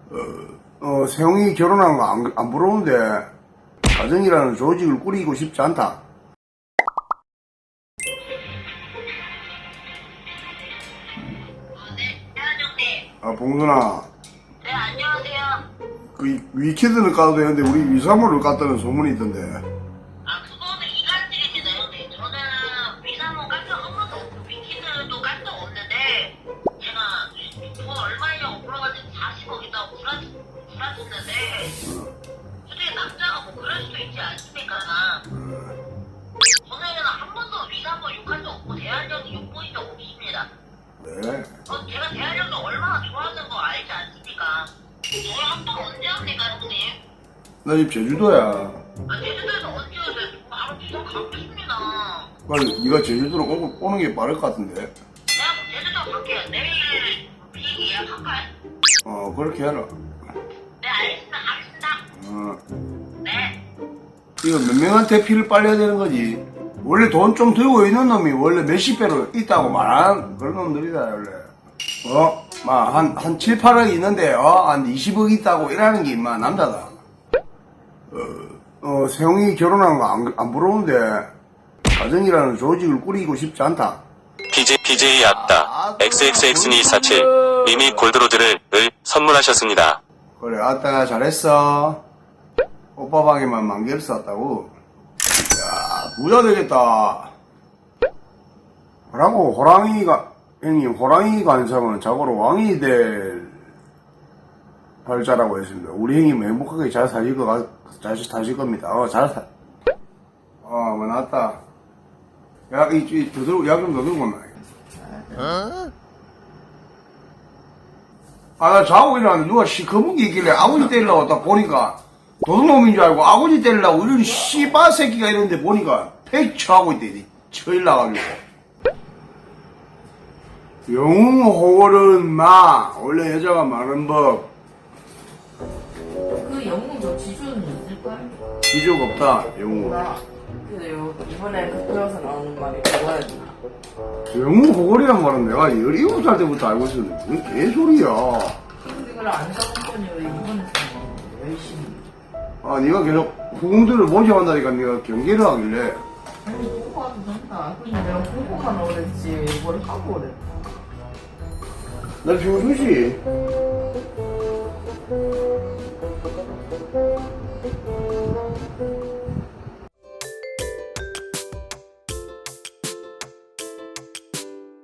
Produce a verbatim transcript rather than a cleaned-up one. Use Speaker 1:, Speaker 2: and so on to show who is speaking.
Speaker 1: 어, 어, 세영이 결혼한 거 안, 안 부러운데 가정이라는 조직을 꾸리고 싶지 않다.
Speaker 2: 네, 안녕하세요.
Speaker 1: 아, 봉순아,
Speaker 2: 네, 안녕하세요.
Speaker 1: 그 위키드는 까도 되는데 우리 위사모를 깠다는 소문이 있던데.
Speaker 2: 아, 그거는 이간질입니다, 형님. 저는 위사모 깐 적 한 번도 없고, 위키드도 깐 적 없는데, 제가 돈 얼마냐고 물어봤더니 사십억 있다고 구라, 구라쳤는데, 솔직히 남자가 뭐 그럴 수도 있지 않습니까? 저는 한 번도 위사모 욕한 적 없고, 대한형이 욕보인 적 없습니다.
Speaker 1: 네.
Speaker 2: 어, 제가 대한형도 얼마나 좋아하는 거 알지 않습니까? 저희 한번 언제 합니까, 형님?
Speaker 1: 나 지금 제주도야.
Speaker 2: 아, 제주도에서 언제 오세요? 바로 부산 가겠습니다.
Speaker 1: 빨리 네가 제주도로 오고, 오는 게 빠를 것 같은데.
Speaker 2: 내가 그럼 제주도 갈게요. 내일 비행기 예약할까요?
Speaker 1: 어, 그렇게 해라.
Speaker 2: 네, 알겠습니다. 가겠습니다.
Speaker 1: 어,
Speaker 2: 네.
Speaker 1: 이거 몇 명한테 피를 빨려야 되는 거지. 원래 돈 좀 들고 있는 놈이 원래 몇십 배로 있다고 말하는 그런 놈들이다, 원래. 어? 막, 한, 한 칠, 팔억 있는데, 어? 한 이십억 있다고 이러는 게, 임마, 남자다. 어, 어, 세영이 결혼한 거 안, 안 부러운데, 가정이라는 조직을 꾸리고 싶지 않다.
Speaker 3: 피제이, 피제이 아따, 엑스엑스엑스이사칠, 님이 골드로드를, 을, 선물하셨습니다.
Speaker 1: 그래, 아따, 잘했어. 오빠 방에만 만 개를 쌌다고. 야, 부자 되겠다. 그러고, 호랑이가, 형님, 호랑이가 안 사면 자고로 왕이 될 팔자라고 했습니다. 우리 형님 행복하게 잘 사실 거, 같- 잘 사실 겁니다. 어, 잘 사. 어, 뭐, 나왔다. 야, 이, 이, 더 들고, 약 좀 더 들고 온나. 아, 나 자고 일어났는데 누가 시커먼 게 있길래 아버지 때리려고 딱 보니까 도둑놈인 줄 알고 아버지 때리려고 이런 씨바 새끼가 이런데 보니까 팩처하고 있대. 처일나가지고. 영웅호월은 마, 원래 여자가 많은 법.
Speaker 4: 그 영웅 저 지주는 있을걸?
Speaker 1: 지적 없다, 영웅.
Speaker 4: 나 그래요 이번에 극장에서 나오는 말이 그거였나?
Speaker 1: 영웅호월이란 말은 내가 열일곱 살 때부터 알고 있었는데, 그게 개소리야.
Speaker 4: 근데 그걸 안 써본 거니 왜 이번에 써먹는데 열심히
Speaker 1: 아, 네가 계속 후궁들을 모집한다니까 네가 경계를 하길래.
Speaker 4: 아니 보고 가도 된다 근데 내가 보고 가나 그랬지 뭘 하고 그래
Speaker 1: 나 평소시